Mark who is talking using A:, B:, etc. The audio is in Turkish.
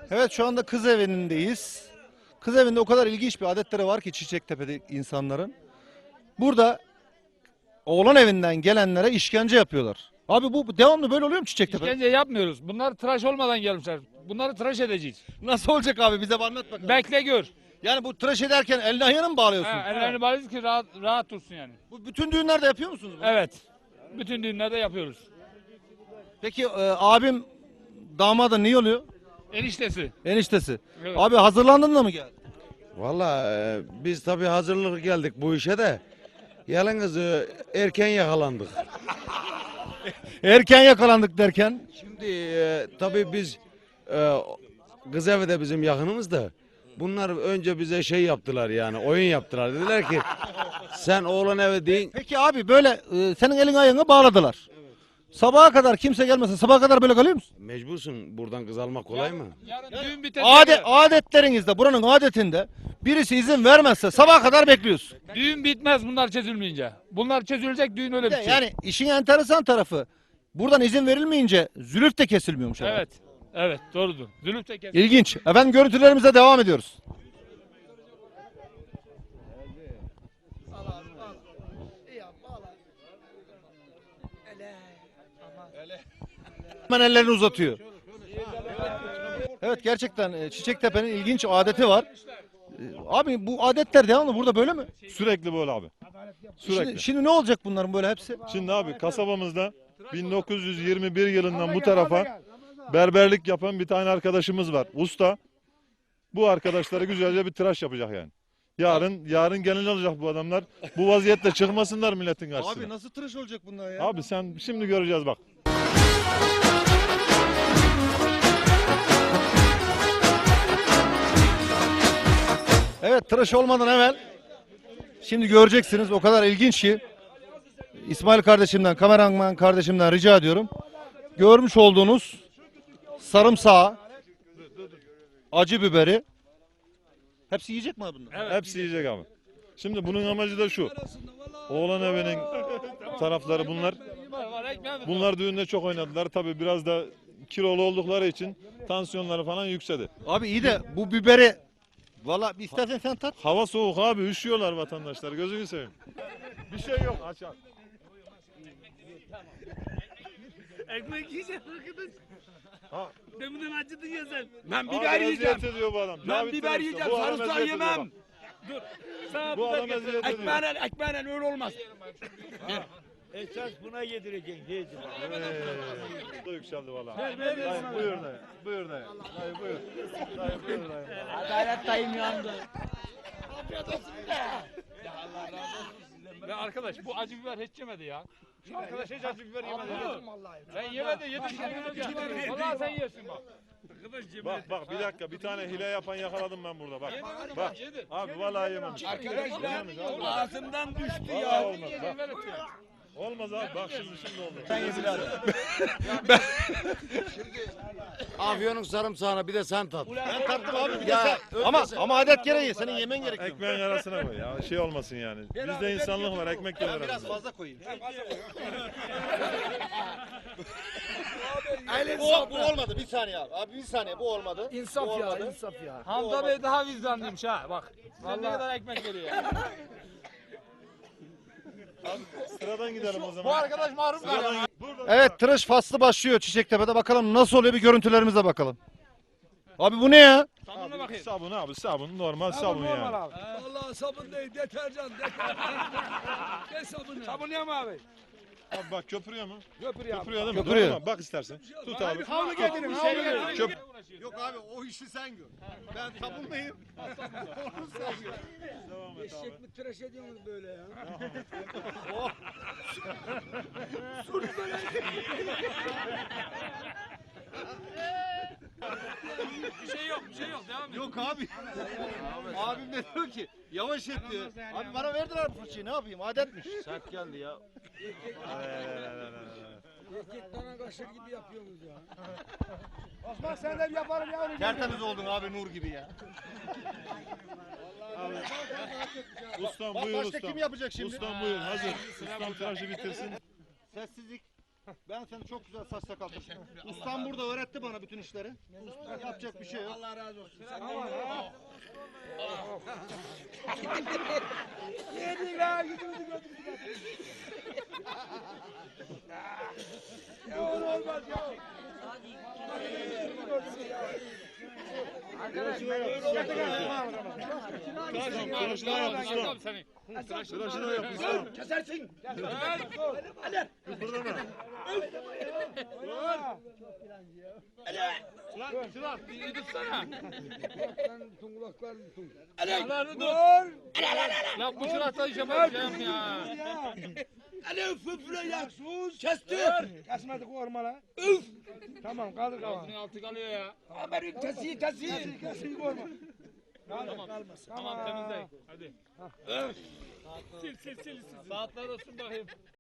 A: Evet, şu anda kız evindeyiz. Kız evinde o kadar ilginç bir adetleri var ki Çiçektepe'de insanların. Burada oğlan evinden gelenlere işkence yapıyorlar. Abi bu devamlı böyle oluyor mu Çiçektepe?
B: İşkence yapmıyoruz. Bunlar tıraş olmadan gelmişler. Bunları tıraş edeceğiz.
A: Nasıl olacak abi, bize bir anlat bakalım.
B: Bekle gör.
A: Yani bu tıraş ederken elini ayağını mı bağlıyorsun?
B: Ha, ellerini bağlıyoruz ki rahat dursun yani.
A: Bu bütün düğünlerde yapıyor musunuz bunu?
B: Evet. Bütün düğünlerde yapıyoruz.
A: Peki abim damadı niye oluyor?
B: Eniştesi.
A: Eniştesi.
B: Evet.
A: Abi hazırlandın da mı geldin?
C: Valla biz tabii hazırlık geldik bu işe de. Yalnız erken yakalandık.
A: Erken yakalandık derken.
C: Şimdi tabii biz kız evi de bizim yakınımız da. Bunlar önce bize şey yaptılar yani oyun yaptılar. Dediler ki sen oğlan evi deyin.
A: Peki abi böyle senin elin ayağını bağladılar. Sabaha kadar kimse gelmese sabaha kadar böyle kalıyor musun?
C: Mecbursun buradan kız almak kolay mı?
B: Yarın düğün bitecek.
A: Adetlerinizde, buranın adetinde birisi izin vermezse sabaha kadar bekliyorsun.
B: Düğün bitmez bunlar çözülmeyince. Bunlar çözülecek, düğün öyle bitecek.
A: Yani işin enteresan tarafı, buradan izin verilmeyince zülüf de kesilmiyormuş. abi.
B: Evet. Evet, doğrudur. Zülüf de kes.
A: İlginç. Efendim görüntülerimize devam ediyoruz. Hemen ellerini uzatıyor. Evet, gerçekten Çiçektepe'nin ilginç adeti var. Abi bu adetler devamlı burada böyle mi?
D: Sürekli böyle abi. Sürekli.
A: Şimdi ne olacak bunların böyle hepsi?
D: Şimdi abi kasabamızda 1921 yılından bu tarafa berberlik yapan bir tane arkadaşımız var. Usta. Bu arkadaşlara güzelce bir tıraş yapacak yani. Yarın gelin olacak bu adamlar. Bu vaziyette çıkmasınlar milletin karşısına.
A: Abi nasıl tıraş olacak bunlar ya?
D: Abi sen şimdi göreceğiz bak.
A: Evet, tıraş olmadan evvel şimdi göreceksiniz, o kadar ilginç ki İsmail kardeşimden, kameraman kardeşimden rica ediyorum. Görmüş olduğunuz sarımsağı, acı biberi hepsi yiyecek mi abi bunlar?
D: Hepsi yiyecek abi. Şimdi bunun amacı da şu. Oğlan evinin tarafları bunlar. Bunlar düğünde çok oynadılar. Tabii biraz da kilolu oldukları için tansiyonları falan yükseldi.
A: Abi iyi de bu biberi valla istersen sen tat.
D: Hava soğuk abi, üşüyorlar vatandaşlar. Gözünü seveyim. Bir şey yok. Aç aç.
E: Ekmek yiyeceğim arkadaş.
D: Ha.
E: Deminden acıdın ya sen.
F: Ben
D: Abi
F: biber yiyeceğim.
D: eziyet ediyor bu adam.
F: Ben
D: Cavit
F: biber
D: Reis de.
F: yiyeceğim.
D: Bu adam
F: Sarımsağı
D: eziyet ediyor
F: yemem.
D: bak.
E: Sana
D: Bu
E: biber
D: adam
E: getir.
D: eziyet ediyor.
F: Ekmeğiyle öyle olmaz.
E: Esas buna yedireceksin. Yiyeceğim.
D: Bu da yükseldi valla. Dayı buyur dayı. Buyur dayı. Dayı buyur. Dayı buyur dayı.
E: Adalet dayım yandı.
B: Ve arkadaş bu acı biber hiç yemedi ya. Şu arkadaş hiç acı biber yemedi. Sen yemedi, yedin. Vallahi sen yersin bak.
D: Bak bir dakika, bir tane hile yapan yakaladım ben burada bak. Bak abi vallahi yememiş.
F: Arkadaşlar ağzımdan düştü
D: Vallahi
F: ya.
D: olmaz bak. Olmaz abi bak şimdi oldu.
C: Afyonun sarımsağına bir de sen tat.
A: Ben tattım abi. Bir de
C: Ya,
A: sen. Ama adet gereği senin yemen gerekiyor.
D: Ekmeğin arasına koy ya, şey olmasın yani. Bizde insanlık var, ekmek
A: Ben
D: gelir
A: biraz
D: arasına.
A: fazla koyayım. Bu olmadı, bir saniye abi. Abi bir saniye, bu olmadı.
E: İnsaf ya, insaf ya.
B: Hamza Bey daha vicdanlıymış ha bak. Vallahi ne kadar ekmek veriyor ya.
D: Sıradan gidelim o zaman.
B: Bu arkadaş mahrum kalıyor.
A: Evet, tıraş faslı başlıyor Çiçektepe'de. Bakalım nasıl oluyor, bir görüntülerimize bakalım. Abi bu ne ya?
B: Sabununa bakayım.
D: Sabun abi, sabun normal sabun yani.
F: Vallahi sabun değil deterjan. Ne sabunu?
E: Sabun yeme abi.
D: Abi bak köpürüyor mu?
E: Köpürüyor abi.
D: Köpürüyor değil mi?
A: Köpürüyor.
D: Tamam, bak istersen. Tut abi.
E: Havlu getirin, havlu getirin.
D: Köp
A: Yok abi, o işi sen gör. Ben sabunlayayım. Onu sen gör.
D: Devam et abi.
E: Mi tıraş ediyorsunuz böyle ya?
B: Bir şey yok, bir şey yok. Devam et.
A: Yok abi. Abim de diyor ki yavaş et diyor. Abi bana verdiler bu fırçayı, ne yapayım, adetmiş.
C: Sert geldi ya.
E: Erkek dana kaşır gibi yapıyorsunuz ya. Osman sen de yaparım yavrum.
A: Tertemiz oldun abi, nur gibi ya.
D: Ustam
A: Bak
D: buyur
A: başka
D: ustam.
A: kim yapacak şimdi?
D: Ustam buyur hazır. Ustam tıraşı bitirsin.
A: Sessizlik. Ben seni çok güzel saç sakal tıraşı. Ustam burada öğretti bana bütün işleri. Yapacak bir şey yok.
E: Allah razı olsun. Yedik ha, yüzümüzü gözümüzü. Ya onu olmaz ya.
D: Tıraşını yap ustam.
B: Seni.
D: Tıraşını yap ustam.
E: Kesersin.
D: Kıpırdama.
B: Sırat bir tutsana.
E: Kulaklarını tut.
B: Kulaklarını dur. Lan bu sıratla işe bakacağım ya.
E: Alo fıfıra ya sus. Kestir. Kesmedik ormana. Üf. Tamam kaldır kalan.
B: Ağzının altı kalıyor ya.
E: Haberin kesi. Kesi korma.
B: Tamam temizle. Hadi. Sil. Saatler olsun bakayım.